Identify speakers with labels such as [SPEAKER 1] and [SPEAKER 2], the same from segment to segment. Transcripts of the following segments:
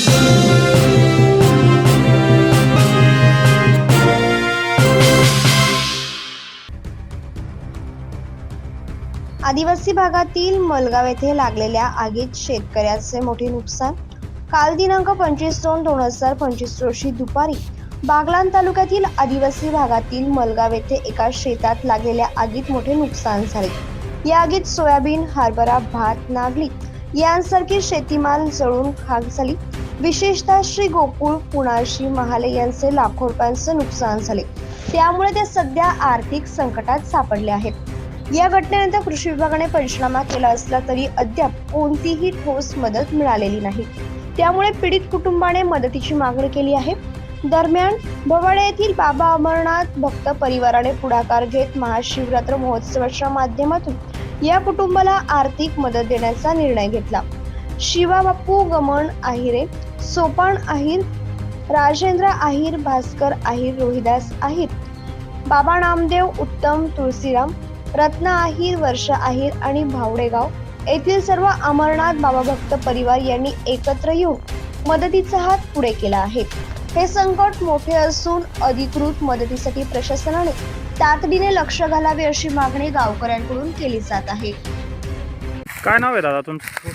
[SPEAKER 1] आदिवासी भागातील मलगाव येथे लागलेल्या आगीत शेतकऱ्याचे मोठे नुकसान। काल दिनांक 25/2/2025 रोजी दुपारी बागलाण तालुक्यातील आदिवासी भागातील मलगाव येथे एका शेतात लागलेल्या आगीत मोठे नुकसान झाले। या आगीत सोयाबीन, हरभरा, भात, नागली यांसारखी शेतीमाल जळून खाक झाली। विशेषतः श्री गोकुळ पुणाशी महाले यांचे लाखो रुपयांचे नुकसान झाले, त्यामुळे ते सध्या आर्थिक संकटात सापडले आहेत। या घटनेनंतर कृषी विभागाने पंचनामा केला असला तरी अद्याप कोणतीही ठोस मदत मिळालेली नाही, त्यामुळे पीडित कुटुंबाने मदतीची मागणी केली आहे। दरम्यान भवाडे येथील बाबा अमरनाथ भक्त परिवाराने पुढाकार घेत महाशिवरात्र महोत्सवाच्या माध्यमातून या कुटुंबाला आर्थिक मदत देण्याचा निर्णय घेतला। शिवा बापू गमन आहिरे, सोपान आहिर, राजेंद्र आहिर, भास्कर आहिर, रोहिदास आहिर, बाबा नामदेव, उत्तम तुळशीराम, रत्ना आहिर, वर्षा आहिर आणि भावडेगाव येथील सर्व अमरनाथ बाबा भक्त परिवार यांनी एकत्र येऊन मदतीचा हात पुढे केला आहे। हे संकट मोठे असून अधिकृत मदतीसाठी प्रशासनाने तातडीने लक्ष घालावे अशी मागणी गावकऱ्यांकडून केली जात आहे।
[SPEAKER 2] काय नाव आहे दादा तुमचं?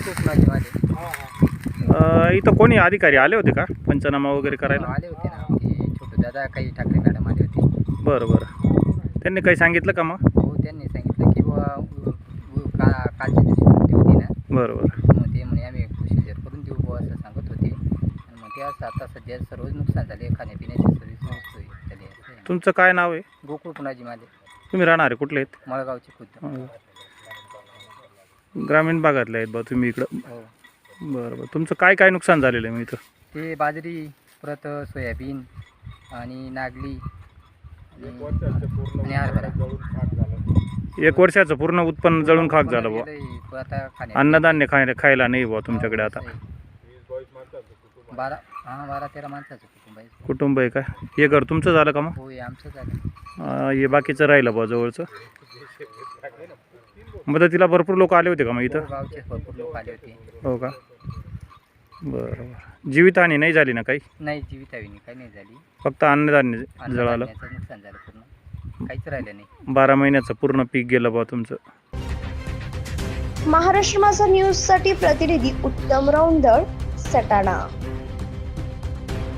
[SPEAKER 2] इथं कोणी अधिकारी आले होते का पंचनामा वगैरे करायला?
[SPEAKER 3] आले होते ना, ते छोटे दादा काही ठाकरे मॅडम आले होते।
[SPEAKER 2] बरं, त्यांनी काही सांगितलं का मग?
[SPEAKER 3] हो, त्यांनी सांगितलं की कालच्या दिवशी सुट्टी होती ना,
[SPEAKER 2] बरोबर।
[SPEAKER 3] मग ते म्हणे आम्ही प्रोसिजर करून देऊ बुवा असं सांगत होते। आणि मग ते असं आता सध्या सर्वच नुकसान झाले, खाण्यापिण्याची सर्विस नसतोय झाली।
[SPEAKER 2] तुमचं काय नाव आहे?
[SPEAKER 3] गोकुळ पुणाजी माझे।
[SPEAKER 2] तुम्ही राहणारे कुठले आहेत?
[SPEAKER 3] मळगावचे खुद्द।
[SPEAKER 2] ग्रामीण भागातले आहेत बा तुम्ही इकडं?
[SPEAKER 3] हो।
[SPEAKER 2] बरं, तुमचं काय काय नुकसान झालेलं आहे मग इथं?
[SPEAKER 3] ते बाजरी, परत सोयाबीन आणि नागली आणि हरभरा।
[SPEAKER 2] 1 वर्षाचं पूर्ण उत्पन्न जळून खाक झालं बुवा।
[SPEAKER 3] आता
[SPEAKER 2] अन्नधान्य खायला नाही बुवा तुमच्याकडे आता?
[SPEAKER 3] 12-13 माणसाचं
[SPEAKER 2] कुटुंब आहे का? हे घर तुमचं झालं का मग?
[SPEAKER 3] हो, आमचं झालं।
[SPEAKER 2] हे बाकीचं राहिलं बुवा जवळचं? मदतीला भरपूर लोक आले होते का मग इथं?
[SPEAKER 3] गावचे भरपूर लोक आले होते।
[SPEAKER 2] हो का? बरं, जीवितहानी नाही झाली ना काही?
[SPEAKER 3] नाही, जीवितहानी काही नाही झाली,
[SPEAKER 2] फक्त अन्नधान्य जळालं,
[SPEAKER 3] नुकसान झालं, पूर्ण काहीच राहिलं नाही।
[SPEAKER 2] 12 महिन्याचं पूर्ण पीक गेलं बा तुमचं।
[SPEAKER 1] महाराष्ट्र माझा न्यूज साठी प्रतिनिधी उत्तम रौंदळ, सटाणा।